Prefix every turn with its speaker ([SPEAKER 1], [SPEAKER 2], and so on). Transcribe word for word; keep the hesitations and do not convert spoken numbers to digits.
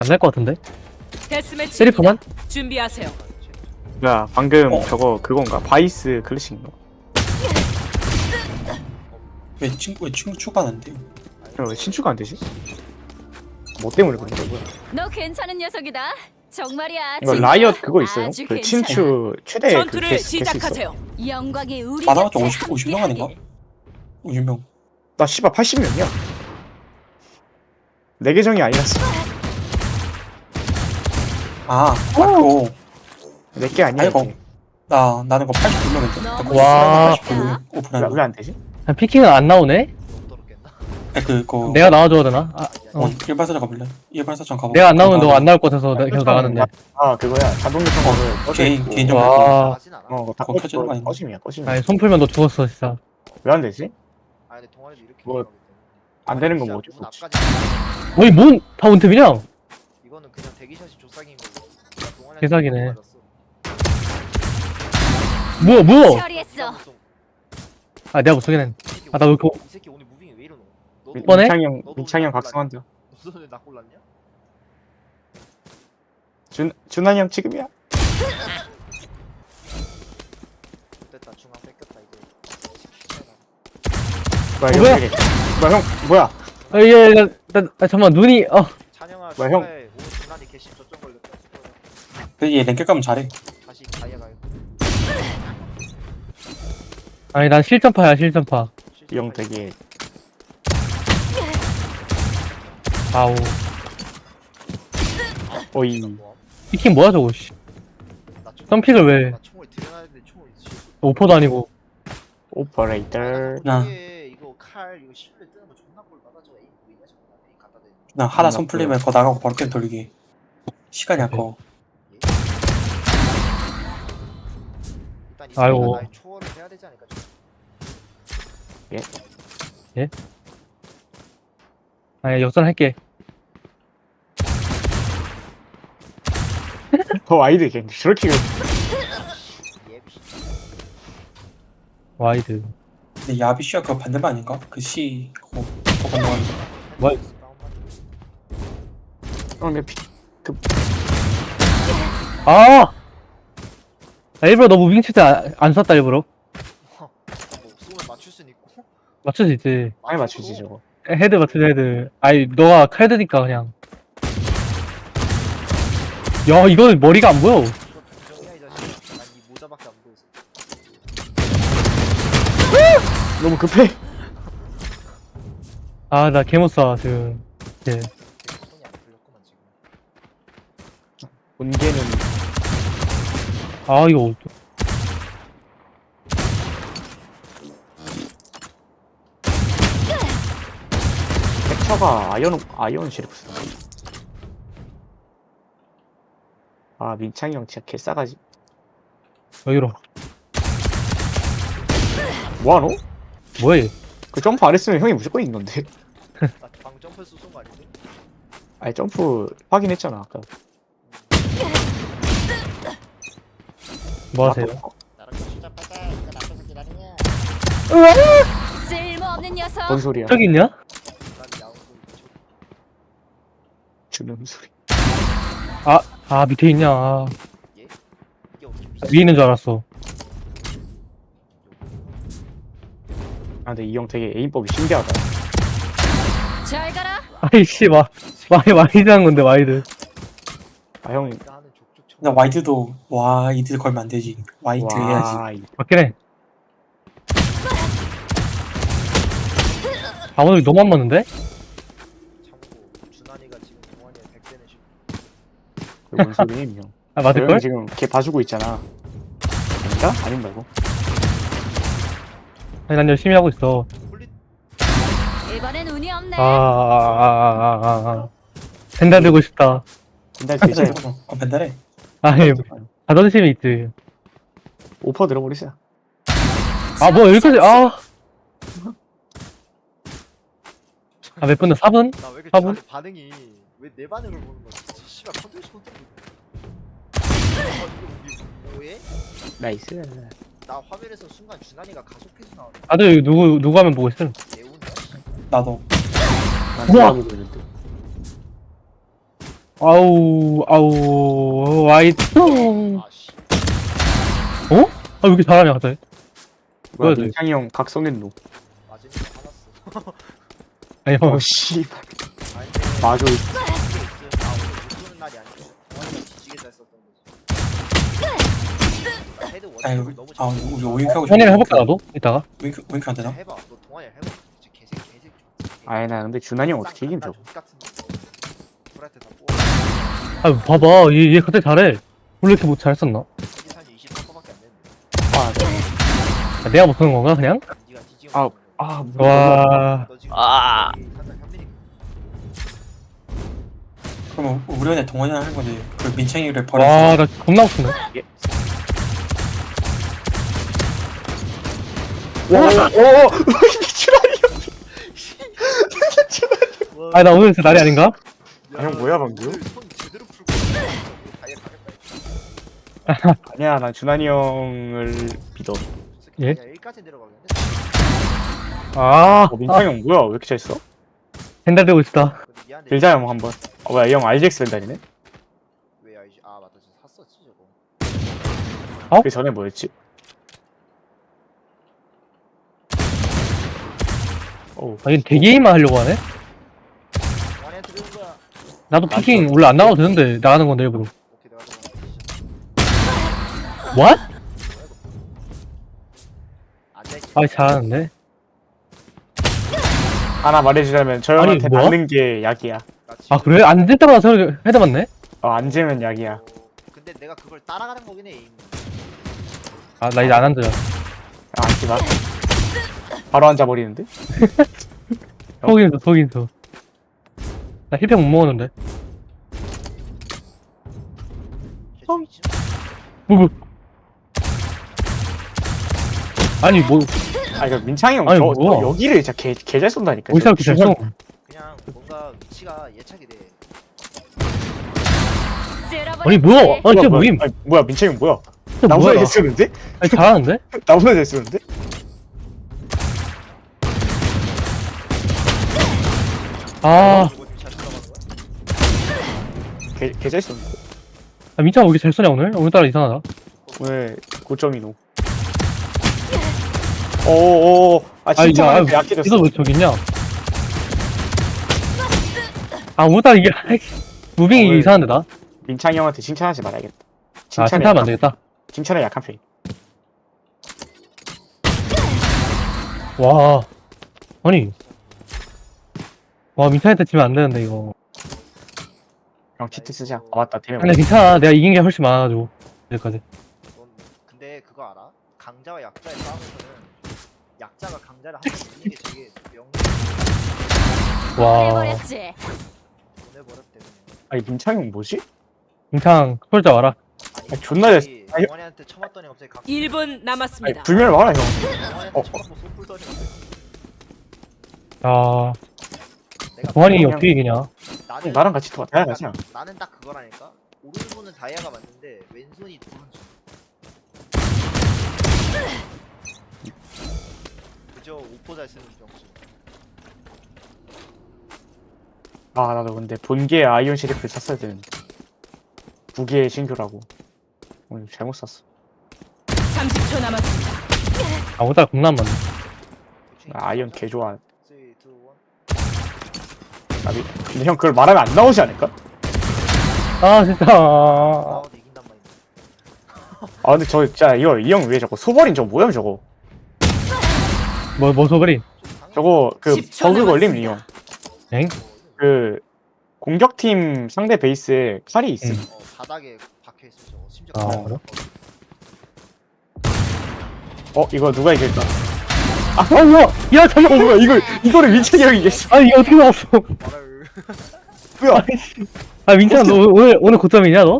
[SPEAKER 1] 안 날 것 같은데?
[SPEAKER 2] 데스매치
[SPEAKER 1] 세리프만?
[SPEAKER 2] 준비하세요.
[SPEAKER 3] 야 방금
[SPEAKER 4] 어.
[SPEAKER 3] 저거 그건가? 바이스 클래식인가?
[SPEAKER 4] 왜 친구 왜 친구 추가하는데?
[SPEAKER 3] 어, 왜 신추가 안 되지? 뭐 때문에 그런 거야? 뭐야?
[SPEAKER 5] 너 괜찮은 녀석이다. 정말이야.
[SPEAKER 3] 이거
[SPEAKER 5] 진짜.
[SPEAKER 3] 라이엇 그거 있어요?
[SPEAKER 5] 아주
[SPEAKER 3] 그
[SPEAKER 5] 괜찮아.
[SPEAKER 3] 친추 최대 그
[SPEAKER 2] 전투를
[SPEAKER 3] 개수, 개수 있어.
[SPEAKER 2] 시작하세요.
[SPEAKER 5] 영광의 우리
[SPEAKER 4] 받아봤자
[SPEAKER 5] 곁에
[SPEAKER 4] 오십, 오십 명 아닌가?
[SPEAKER 5] 함께하길.
[SPEAKER 4] 오십 명.
[SPEAKER 3] 나 씨발 팔십 명이야. 내 계정이 아니라서
[SPEAKER 4] 아, 맞고.
[SPEAKER 3] 내 게 아니야.
[SPEAKER 4] 아이고.
[SPEAKER 3] 이게.
[SPEAKER 4] 나 나는 거 팔십구 명인데.
[SPEAKER 5] 너무
[SPEAKER 1] 와.
[SPEAKER 4] 팔십구 명 오픈하는 거.
[SPEAKER 3] 왜 안 되지?
[SPEAKER 1] 아, 피킹은 안 나오네?
[SPEAKER 4] 아, 그거.
[SPEAKER 1] 내가 나와줘야 되나? 아, 어.
[SPEAKER 4] 어, 일발사전 가볼래? 일발사전 가봐.
[SPEAKER 1] 내가 안 나오면 너가 안 나올 것 같아서 내가 계속 나가는데.
[SPEAKER 3] 아 그거야. 자동 요청 거를 꺼져
[SPEAKER 4] 개인
[SPEAKER 3] 있고.
[SPEAKER 4] 개인정.
[SPEAKER 1] 와.
[SPEAKER 3] 어, 그거 다
[SPEAKER 4] 그거 켜지는 거 아닌가?
[SPEAKER 3] 꺼짐이야, 꺼짐.
[SPEAKER 1] 아니, 손 풀면 너 죽었어, 진짜.
[SPEAKER 3] 왜 안 되지?
[SPEAKER 6] 아 근데 동아리도 이렇게
[SPEAKER 3] 뭐,
[SPEAKER 6] 얘기하거든.
[SPEAKER 3] 안 되는 건
[SPEAKER 6] 진짜
[SPEAKER 3] 뭐 어쩔 수
[SPEAKER 6] 문
[SPEAKER 3] 없지.
[SPEAKER 6] 앞까지
[SPEAKER 1] 어이, 뭔, 다 원탭이냐?
[SPEAKER 6] 이거는 그냥 대기샷이 조싹인 거고. 그냥 동아리한테
[SPEAKER 1] 개사기네.
[SPEAKER 6] 맞았어.
[SPEAKER 1] 뭐야, 뭐야?
[SPEAKER 5] 처리했어.
[SPEAKER 1] 아, 내가 못 쓰긴 했.
[SPEAKER 6] 이 새끼
[SPEAKER 1] 아, 나왜
[SPEAKER 6] 오늘-
[SPEAKER 1] 그거-
[SPEAKER 6] 이 새끼 오늘 무빙이 왜 이러노? 너도
[SPEAKER 3] 민-
[SPEAKER 1] 뻔해?
[SPEAKER 3] 민창이 형,
[SPEAKER 6] 너도
[SPEAKER 3] 민창이 형
[SPEAKER 6] 오늘
[SPEAKER 3] 각성한다.
[SPEAKER 6] 너도 오늘 나 골랐냐?
[SPEAKER 3] 준, 준환이 형 지금이야.
[SPEAKER 6] 됐다 중앙 뺏겼다 이거.
[SPEAKER 3] 뭐야,
[SPEAKER 1] 어,
[SPEAKER 3] 형,
[SPEAKER 1] 뭐야?
[SPEAKER 3] 되게- 뭐야, 형, 뭐야?
[SPEAKER 1] 아, 예, 나, 나, 나, 잠깐만, 눈이, 어.
[SPEAKER 6] 찬영아
[SPEAKER 3] 뭐야, 형?
[SPEAKER 6] 축하해. 오늘 준환이 개심 저점 걸렸다. 축하해.
[SPEAKER 4] 근데 얘 랭크 가면 잘해.
[SPEAKER 6] 다시 다이아 가요.
[SPEAKER 1] 아니, 난 실전파야, 실전파.
[SPEAKER 3] 이 형 되게
[SPEAKER 1] 아우.
[SPEAKER 3] 어이.
[SPEAKER 1] 피킹 뭐야, 저거, 씨.
[SPEAKER 6] 나 총-
[SPEAKER 1] 점픽을 왜.
[SPEAKER 6] 나 총을 들여놨는데 총을 씨.
[SPEAKER 1] 오퍼도 아니고.
[SPEAKER 3] 오퍼레이터.
[SPEAKER 4] 나-
[SPEAKER 6] 이게 이거 칼 이거 실내 뜨는 거 존나 꼴 받아 저거 에임 보이냐 저거 에임 갖다 대는 거.
[SPEAKER 4] 나 하나 손 풀리면 거 나가고 바로 게임 돌리기. 시간이 아까워.
[SPEAKER 6] 일단 이
[SPEAKER 1] 아이고.
[SPEAKER 6] 새끼가 나의 초월을 해야 되지 않을까 좀.
[SPEAKER 1] 아니, 역전할게.
[SPEAKER 3] 더 와이드 걔 저렇게
[SPEAKER 6] 예.
[SPEAKER 1] 와이드.
[SPEAKER 4] 근데 야비슈아 그거 반대만 아닌가? 그 시 그거 그거 건너가는 거.
[SPEAKER 1] 뭐야?
[SPEAKER 3] 형, 내 피,
[SPEAKER 1] 아! 나 일부러 너 무빙 칠 때 안 쐈다, 일부러.
[SPEAKER 6] 뭐 쏘면 맞출 수는 있고.
[SPEAKER 1] 맞출 수 있지.
[SPEAKER 3] 많이 맞추지 저거.
[SPEAKER 1] 헤드 맞추지, 헤드. 아니, 너가 칼 드니까 그냥. 야, 이거 머리가 안 보여.
[SPEAKER 6] 이거 동정이야 이 자식아. 난이 모자밖에 안 보여서.
[SPEAKER 3] 너무 급해.
[SPEAKER 1] 아, 나 개못 쏴, 지금. 예.
[SPEAKER 6] 손이 안 풀렸구만 지금.
[SPEAKER 3] 본계는
[SPEAKER 1] 아, 이거. 어떡-
[SPEAKER 3] 캡처가 아이언 아이언 시리프스다. 아 민창이 형 진짜 개싸가지.
[SPEAKER 1] 여기로.
[SPEAKER 3] 뭐하노?
[SPEAKER 1] 뭐야, 얘.
[SPEAKER 3] 그 점프 안 했으면 형이 무조건 이긴 건데.
[SPEAKER 6] 나방 점프해서 쏜거 아닌데?
[SPEAKER 3] 아니 점프 확인했잖아 아까.
[SPEAKER 1] 뭐 하세요?
[SPEAKER 6] 나랑 수잡하자. 이거 앞에서 기다리냐?
[SPEAKER 5] 쓸모없는 녀석.
[SPEAKER 3] 뭔 소리야?
[SPEAKER 1] 저기 있냐?
[SPEAKER 6] 난 야옹 소리.
[SPEAKER 3] 주는 소리.
[SPEAKER 1] 아, 밑에 있냐. 아,
[SPEAKER 6] 예? 이게 어떻게 미친?
[SPEAKER 1] 위에 있는 줄 알았어.
[SPEAKER 3] 아 근데 이 형 되게 에임법이 신기하다.
[SPEAKER 5] 잘 가라.
[SPEAKER 1] 아이씨, 와. 와이, 와이드 한 건데, 와이드.
[SPEAKER 3] 아 형이
[SPEAKER 6] 네가 하는 족족 청.
[SPEAKER 4] 나 와이드도 와이드 걸면 안 되지. 와이드 해야지.
[SPEAKER 3] 와 이-
[SPEAKER 1] 맞긴 해. 아, 오늘 너무 안 맞는데?
[SPEAKER 6] 참고 준환이가 지금 동환이의 백 대는 십.
[SPEAKER 3] 뭔 소리야 이 형.
[SPEAKER 1] 아,
[SPEAKER 3] 저
[SPEAKER 1] 맞을걸?
[SPEAKER 3] 형이 지금 걔 봐주고 있잖아. 아닌가? 아닌 말고.
[SPEAKER 1] 아니, 난 열심히 하고 있어.
[SPEAKER 6] 홀리
[SPEAKER 5] 이번엔 운이 없네.
[SPEAKER 1] 아, 아, 아, 아, 아, 아, 아. 벤달 들고 싶다.
[SPEAKER 3] 근데
[SPEAKER 4] 벤달
[SPEAKER 3] 진짜
[SPEAKER 4] 들어. 어 벤달해.
[SPEAKER 1] 아니, 자존심이 있지.
[SPEAKER 3] 오퍼 들어버리세요.
[SPEAKER 1] 아, 뭐, 여기까지, 아. 아, 몇 분이야? 사 분?
[SPEAKER 6] 나왜 이렇게
[SPEAKER 1] 화분?
[SPEAKER 6] 준환이 반응이 왜 내 반응을 보는 거야? 진짜 씨발 컨트롤 컨트롤. 어 이거 이게 뭐해?
[SPEAKER 3] 나이스.
[SPEAKER 6] 나 화면에서 순간 준환이가 가속해서 나오네.
[SPEAKER 1] 다들 여기 누구, 누구 하면 보고 있음?
[SPEAKER 6] 예운이야?
[SPEAKER 4] 나도.
[SPEAKER 3] 난
[SPEAKER 1] 우와!
[SPEAKER 3] 보고 있는데.
[SPEAKER 1] 아우, 아우, 와이통.
[SPEAKER 6] 아씨.
[SPEAKER 1] 어? 아, 왜 이렇게 잘하냐, 갑자기.
[SPEAKER 3] 뭐야
[SPEAKER 1] 뭐야, 돼?
[SPEAKER 3] 민창이 형 각성했노.
[SPEAKER 6] 맞으니까 화났어.
[SPEAKER 1] 아니, 형.
[SPEAKER 3] 어 씨발.
[SPEAKER 6] 아니 근데
[SPEAKER 3] 맞아.
[SPEAKER 6] 이게 있으면 나 오늘 못 쏘는 날이 아니고 동환이가 뒤지게 잘 썼던 거지. 나 헤드
[SPEAKER 4] 아유,
[SPEAKER 6] 원을 너무
[SPEAKER 4] 아,
[SPEAKER 6] 잘
[SPEAKER 4] 우리 오잉크하고
[SPEAKER 1] 현이랑 해볼까, 나도? 이따가.
[SPEAKER 4] 오잉크, 오잉크 안 되나?
[SPEAKER 6] 해봐. 너 동환이랑 해봐. 진짜 개새끼 개새끼.
[SPEAKER 3] 아니 나 근데 준환이 형 어떻게 이긴 저거?
[SPEAKER 6] 같은 프라이트 다 뽑아.
[SPEAKER 1] 아, 봐봐. 얘, 얘 갑자기 잘해. 원래 이렇게 뭐 잘했었나?
[SPEAKER 6] 이게 사실 이십삼 퍼밖에 안 되는데.
[SPEAKER 3] 아,
[SPEAKER 1] 아, 내가 못하는 건가, 그냥?
[SPEAKER 6] 네가 뒤지고
[SPEAKER 3] 아,
[SPEAKER 6] 있는 거야.
[SPEAKER 3] 아,
[SPEAKER 1] 와.
[SPEAKER 6] 너 지금
[SPEAKER 3] 아.
[SPEAKER 6] 거의 살짝 현민이
[SPEAKER 4] 그러면 우리 안에 동원이랑 할 건데 그 민창이를
[SPEAKER 1] 와,
[SPEAKER 4] 버려서
[SPEAKER 1] 나 겁나 웃기네.
[SPEAKER 3] 오, 오, 준환이 형.
[SPEAKER 1] 아니, 나 오늘 진짜 날이 아닌가?
[SPEAKER 3] 아, 형 뭐야, 방금?
[SPEAKER 6] 오늘 손 제대로 풀고 다이어 가겠다.
[SPEAKER 3] 아니야, 난 준환이 형을 믿어.
[SPEAKER 1] 예?
[SPEAKER 6] 일까지 내려가겠네.
[SPEAKER 1] 아,
[SPEAKER 3] 어, 민창이 형 뭐야? 왜 이렇게 잘했어?
[SPEAKER 1] 벤달 되고 있다.
[SPEAKER 6] 근데 미안해.
[SPEAKER 3] 빌자 형 한번. 어, 뭐야, 이 형 알지엑스 벤달이네?
[SPEAKER 6] 왜 알지? 아 맞다, 진짜 샀었지 저거.
[SPEAKER 1] 어?
[SPEAKER 3] 그 전에 뭐였지? 오,
[SPEAKER 1] 아, 얘 대게임만 하려고 하네?
[SPEAKER 6] 동환이한테 배운 거야.
[SPEAKER 1] 나도 피킹 원래 안 나가도 되는데, 나가는 건데, 일부러.
[SPEAKER 6] 오케이 내가 좀
[SPEAKER 1] What?
[SPEAKER 6] 앉아있지.
[SPEAKER 1] 아, 잘하는데?
[SPEAKER 3] 하나 말해주자면 저 형한테
[SPEAKER 1] 뭐야?
[SPEAKER 3] 맞는 게 약이야.
[SPEAKER 6] 나 지금-
[SPEAKER 1] 아, 그래? 앉을 때마다 새로 헤드 맞네?
[SPEAKER 3] 어, 앉으면 약이야.
[SPEAKER 6] 어, 근데 내가 그걸 따라가는 거긴 해. 이미.
[SPEAKER 1] 아, 나 이제 안 앉아.
[SPEAKER 3] 아, 앉지 마. 바로 앉아버리는데?
[SPEAKER 1] 속인수, 속인수. 나 힐팩 못 먹었는데.
[SPEAKER 6] 개추 미친.
[SPEAKER 1] 뭐, 뭐. 아니, 뭐,
[SPEAKER 3] 아, 이거 민창이 형,
[SPEAKER 1] 아니,
[SPEAKER 3] 저,
[SPEAKER 1] 뭐야.
[SPEAKER 3] 저 여기를 진짜 개, 개 잘 쏜다니까.
[SPEAKER 1] 어디서 이렇게 잘 써?
[SPEAKER 6] 그냥 뭔가 위치가 예측이 돼.
[SPEAKER 1] 아니, 뭐야? 아니, 진짜
[SPEAKER 3] 뭐야,
[SPEAKER 1] 뭐임?
[SPEAKER 3] 아니, 뭐야, 민창이 형 뭐야?
[SPEAKER 1] 진짜
[SPEAKER 3] 나보다
[SPEAKER 1] 뭐야?
[SPEAKER 3] 잘 쏘는데?
[SPEAKER 1] 아니, 잘하는데?
[SPEAKER 3] 나보다 잘 쏘는데?
[SPEAKER 1] 아,
[SPEAKER 6] 이거 지금 잘 들어가는 거야?
[SPEAKER 3] 개, 개 잘 쏘는데?
[SPEAKER 1] 아 민창아 왜 이렇게 잘 쏘냐, 오늘? 오늘따라 이상하다.
[SPEAKER 3] 오늘 고점이노. 오오오, 아,
[SPEAKER 1] 아,
[SPEAKER 3] 진짜
[SPEAKER 1] 야,
[SPEAKER 3] 많이 약해졌어.
[SPEAKER 1] 이거 왜 저기 있냐? 아, 오늘따라 이게, 아이씨, 무빙이
[SPEAKER 3] 오늘-
[SPEAKER 1] 이상한데, 나?
[SPEAKER 3] 민창이 형한테 칭찬하지 말아야겠다.
[SPEAKER 1] 아,
[SPEAKER 3] 칭찬에
[SPEAKER 1] 칭찬하면 안
[SPEAKER 3] 약한,
[SPEAKER 1] 되겠다.
[SPEAKER 3] 칭찬에 약한 편.
[SPEAKER 1] 와. 아니. 와, 민창한테 지면 안 되는데, 이거.
[SPEAKER 3] 형 치트 쓰자. 아, 맞다. 대면.
[SPEAKER 1] 근데 괜찮아. 내가 이긴 게 훨씬 많아가지고. 여기까지.
[SPEAKER 6] 넌 근데 그거 알아? 강자와 약자의 싸움에서는 약자가 강자를 한 번 이기는 게 되게 명
[SPEAKER 1] 와.
[SPEAKER 5] 해버렸지.
[SPEAKER 6] 보내버렸대 그냥.
[SPEAKER 3] 아니, 민창이 형 뭐지?
[SPEAKER 1] 민창, 솔자 와라.
[SPEAKER 6] 아니,
[SPEAKER 3] 아, 존나 잘-
[SPEAKER 6] 갑자기
[SPEAKER 3] 아니-
[SPEAKER 6] 동환이한테 쳐맞더니 갑자기 강
[SPEAKER 2] 일 분
[SPEAKER 3] 아니,
[SPEAKER 2] 남았습니다.
[SPEAKER 3] 불멸 와라, 형.
[SPEAKER 6] 동환이한테
[SPEAKER 3] 어.
[SPEAKER 6] 쳐맞고 손 풀더니 갑자기
[SPEAKER 1] 야,
[SPEAKER 6] 내가
[SPEAKER 1] 동환이
[SPEAKER 3] 그냥-
[SPEAKER 1] 어떻게 이기냐?
[SPEAKER 6] 나는
[SPEAKER 3] 형, 나랑 같이 더 다야 가자.
[SPEAKER 6] 나는, 나는 딱 그거라니까. 오른손은 다이아가 맞는데 왼손이 브론즈. 그저 오포 잘 쓰는 병수.
[SPEAKER 3] 아, 나도 근데 본계 아이온 시리프를 샀어야 되는데. 두 개의 신규라고. 오늘 잘못 샀어.
[SPEAKER 2] 삼십 초 남았습니다.
[SPEAKER 1] 아, 오늘따라 겁나 안 맞네.
[SPEAKER 6] 대충
[SPEAKER 3] 나 아이온
[SPEAKER 6] 인정하자.
[SPEAKER 3] 개 좋아.
[SPEAKER 6] 삼, 이, 일.
[SPEAKER 3] 근데 형 그걸 말하면 안 나오지 않을까?
[SPEAKER 1] 아, 진짜.
[SPEAKER 6] 나와도 이긴단 말이야.
[SPEAKER 3] 아, 근데 저 진짜 이거 이 형 왜 저거 소버린 저거 뭐야 저거?
[SPEAKER 1] 뭐, 뭐 소버리?
[SPEAKER 6] 좀 당연히
[SPEAKER 3] 저거 그
[SPEAKER 2] 십 초
[SPEAKER 3] 버그 걸림 이
[SPEAKER 2] 남았습니다.
[SPEAKER 3] 형.
[SPEAKER 1] 엥?
[SPEAKER 3] 그 공격팀 상대 베이스에 칼이 있음.
[SPEAKER 1] 응.
[SPEAKER 6] 어, 바닥에 박혀 있어 저거. 심지어
[SPEAKER 1] 아,
[SPEAKER 6] 바닥에
[SPEAKER 1] 그래?
[SPEAKER 3] 어 이거 누가 이길까?
[SPEAKER 1] 아, 어, 뭐야! 야, 잠깐!
[SPEAKER 3] 어 뭐야 이걸 이거를 민철이 형이 이겼어.
[SPEAKER 1] 아니, 이게 어떻게 나왔어?
[SPEAKER 6] 말을
[SPEAKER 3] 뭐야?
[SPEAKER 1] 아, 민찬, 너 오늘, 오늘 고점이냐, 너?